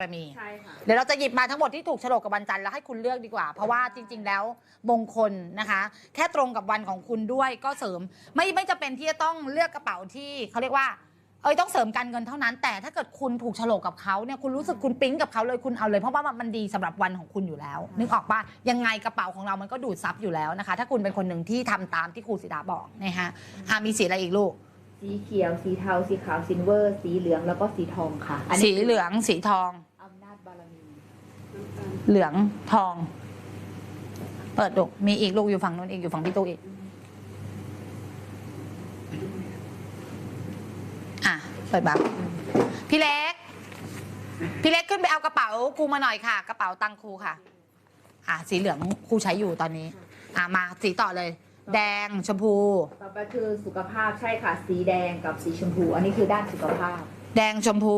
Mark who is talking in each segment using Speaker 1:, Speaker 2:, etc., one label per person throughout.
Speaker 1: มี
Speaker 2: ใช่ค่ะ
Speaker 1: เดี๋ยวเราจะหยิบมาทั้งหมดที่ถูกโฉลกกับวันจันทร์แล้วให้คุณเลือกดีกว่าเพราะว่าจริงๆแล้วมงคลนะคะ แค่ตรงกับวันของคุณด้วยก็เสริมไม่จะเป็นที่จะต้องเลือกกระเป๋าที่เขาเรียกว่าต้องเสริมการเงินเท่านั้นแต่ถ้าเกิดคุณถูกโฉลกกับเขาเนี่ยคุณรู้สึกคุณปิ๊งกับเขาเลยคุณเอาเลยเพราะว่ามันดีสำหรับวันของคุณอยู่แล้วนึกออกป่ะยังไงกระเป๋าของเรามันก็ดูดซับอยู่แล้วนะคะถ้าคุณเป็นคนหนึ่งที่ทำตามที่ครูศิดาบอกนะคะมีสีอะไรอีกลูก
Speaker 2: สีเขียวสีเทาสีขาวซิลเวอร์สีเหลืองแล้วก็สีทองค่ะ
Speaker 1: สีเหลืองสีทอง
Speaker 2: อำนาจบารมี
Speaker 1: เหลืองทองเปิดดูมีอีกลูกอยู่ฝั่งนู้นอีกอยู่ฝั่งพี่ตู้อีกเปิดแบบพี่เล็กขึ้นไปเอากระเป๋าครูมาหน่อยค่ะกระเป๋าตังครูค่ะสีเหลืองครูใช้อยู่ตอนนี้มาสีต่อเลยแดงชมพู
Speaker 2: ต่อไปคือสุขภาพใช่ค่ะสีแดงกับสีชมพูอันนี้คือด้านสุขภาพ
Speaker 1: แดงชมพู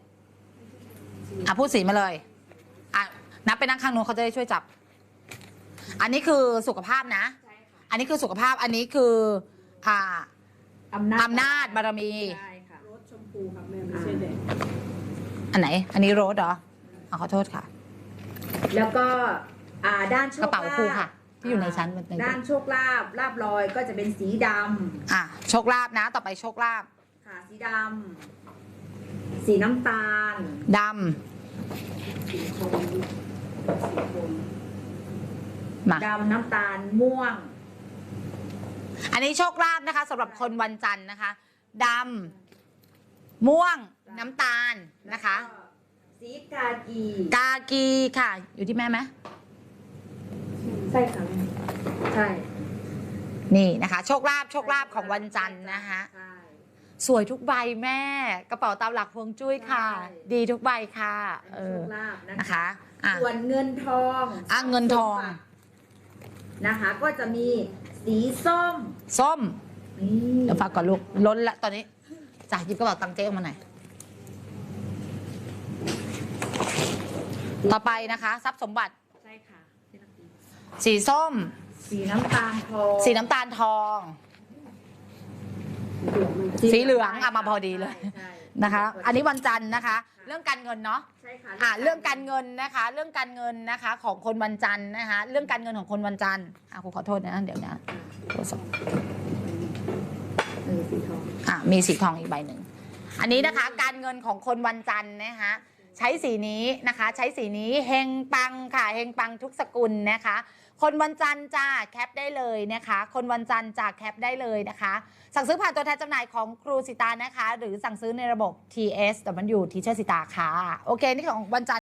Speaker 1: พูดสีมาเลยนับไปนั่งข้างนู้นเขาจะได้ช่วยจับอันนี้คือสุขภาพนะ
Speaker 2: ใช่ค่ะ
Speaker 1: อันนี้คือสุขภาพอันนี้คือ
Speaker 2: อำนาจ
Speaker 1: บารมี
Speaker 2: ใช่ค่ะ
Speaker 3: รสชมพูครับแม่ไม่ใช่แดง
Speaker 1: อันไหนอันนี้โรสเหรอขอโทษค่ะ
Speaker 2: แล้วก็ด้านโชคลาภ
Speaker 1: กระเป๋าครูค่ะที่อยู่ในชั้น
Speaker 2: ด้านโชคลาภลาภลอยก็จะเป็นสีด
Speaker 1: ำโชคลาภนะต่อไปโชคลาภ
Speaker 2: ค่ะสีดำสีน้ำตาล
Speaker 1: ด
Speaker 2: ำดำน้ำตาลม่วง
Speaker 1: อันนี้โชคลาภนะคะสำหรับคนวันจันทร์นะคะดำม่วงน้ำตาลนะคะ
Speaker 2: สีกากี
Speaker 1: ค่ะอยู่ที่แม่ไหม
Speaker 2: ใช่ค่ะใช่
Speaker 1: นี่นะคะโชคลาภของวันจันทร์นะคะสวยทุกใบแม่กระเป๋าตามหลักฮวงจุ้ยค่ะดีทุกใบค่ะ
Speaker 2: โชคลาภ
Speaker 1: นะคะ
Speaker 2: ส่วนเงินทอง
Speaker 1: เงินทอง
Speaker 2: นะคะก็จะมีสีส้ม
Speaker 1: เดี๋ยวฝากก่อนลูกล้นละตอนนี้จ่ายหยิบกระเป๋าตังค์เจ๊ออกมาหน่อยต่อไปนะคะทรัพย์สมบัติ
Speaker 2: ใช่ค่ะ
Speaker 1: สีส้ม
Speaker 2: สีน้ำตาลทอง
Speaker 1: สีเหลืองมาพอดีเลยนะคะอันนี้วันจันทร์นะคะเรื่องการเงินเนาะ
Speaker 2: ใช่ค่ะ
Speaker 1: เรื่องการเงินนะคะเรื่องการเงินนะคะของคนวันจันทร์นะคะเรื่องการเงินของคนวันจันทร์ครูขอโทษนะเดี๋ยวนะ
Speaker 2: สีทอง
Speaker 1: มีสีทองอีกใบหนึ่งอันนี้นะคะการเงินของคนวันจันทร์นะคะใช้สีนี้นะคะใช้สีนี้เฮงปังค่ะเฮงปังทุกสกุลนะคะคนวันจันทร์จ้าแคปได้เลยนะคะคนวันจันทร์จ้าแคปได้เลยนะคะสั่งซื้อผ่านตัวแทนจำหน่ายของครูสิตานะคะหรือสั่งซื้อในระบบ TSW Teacher สิตาค่ะโอเคนี่ของวันจันทร์